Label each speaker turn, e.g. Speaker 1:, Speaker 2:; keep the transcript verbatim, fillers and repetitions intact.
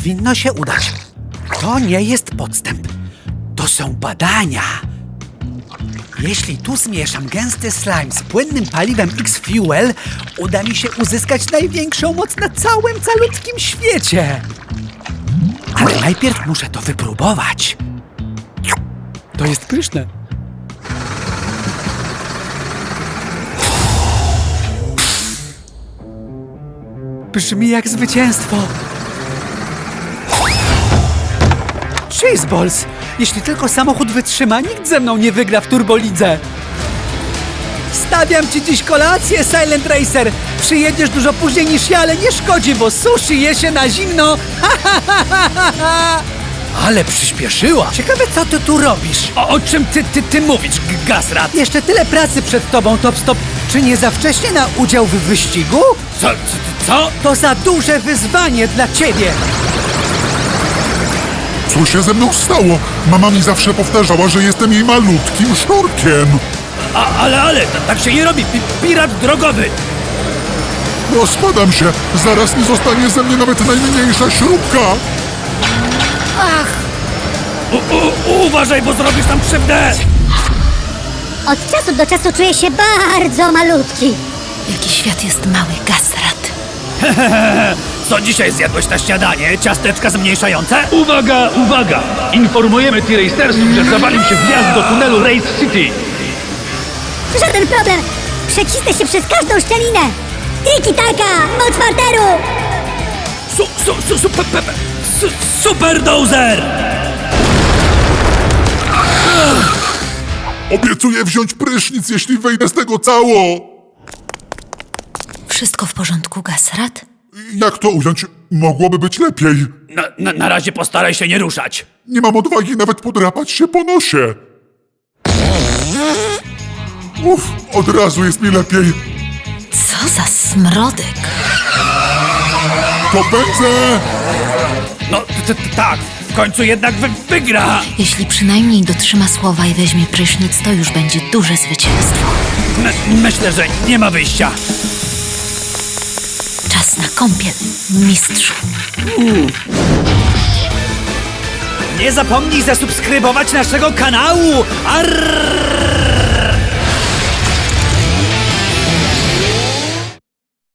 Speaker 1: Powinno się udać. To nie jest podstęp. To są badania. Jeśli tu zmieszam gęsty slime z płynnym paliwem X-Fuel, uda mi się uzyskać największą moc na całym calutkim świecie. Ale najpierw muszę to wypróbować. To jest pyszne. Brzmi jak zwycięstwo. Cheeseballs! Jeśli tylko samochód wytrzyma, nikt ze mną nie wygra w turbolidze. Stawiam ci dziś kolację, Silent Racer. Przyjedziesz dużo później niż ja, ale nie szkodzi, bo sushi je się na zimno. Ale przyspieszyła. Ciekawe, co ty tu robisz? O, o czym ty, ty, ty mówisz, Gasrat? Jeszcze tyle pracy przed tobą, Top Stop. Czy nie za wcześnie na udział w wyścigu? Co, co, co? To za duże wyzwanie dla ciebie.
Speaker 2: Co się ze mną stało? Mama mi zawsze powtarzała, że jestem jej malutkim sznurkiem.
Speaker 1: A, ale, ale, tak się nie robi. Pi pirat drogowy.
Speaker 2: No spadam się. Zaraz nie zostanie ze mnie nawet najmniejsza śrubka.
Speaker 1: Ach! U, u, uważaj, bo zrobisz tam krzywdę!
Speaker 3: Od czasu do czasu czuję się bardzo malutki.
Speaker 4: Jaki świat jest mały, Gasrat.
Speaker 1: Co dzisiaj zjadłeś na śniadanie? Ciasteczka zmniejszające?
Speaker 5: Uwaga, uwaga! Informujemy T-Racersów, że zawalił się wjazd do tunelu Race City.
Speaker 3: Żaden problem. Przecisnę się przez każdą szczelinę. Tiki-taka, moc parteru.
Speaker 1: Su, su, su, su, pe, pe, pe, su, super dozer!
Speaker 2: Obiecuję wziąć prysznic, jeśli wyjdę z tego cało.
Speaker 4: Wszystko w porządku, Gasrat?
Speaker 2: Jak to ująć? Mogłoby być lepiej.
Speaker 1: Na, na, na razie postaraj się nie ruszać.
Speaker 2: Nie mam odwagi nawet podrapać się po nosie. Uff, od razu jest mi lepiej.
Speaker 4: Co za smrodek.
Speaker 2: To pędzę!
Speaker 1: No, t, t, tak, w końcu jednak wy, wygra!
Speaker 4: Jeśli przynajmniej dotrzyma słowa i weźmie prysznic, to już będzie duże zwycięstwo.
Speaker 1: My, myślę, że nie ma wyjścia.
Speaker 4: Czas na kąpiel, mistrzu.
Speaker 1: Nie zapomnij zasubskrybować naszego kanału! Arrrrrrr!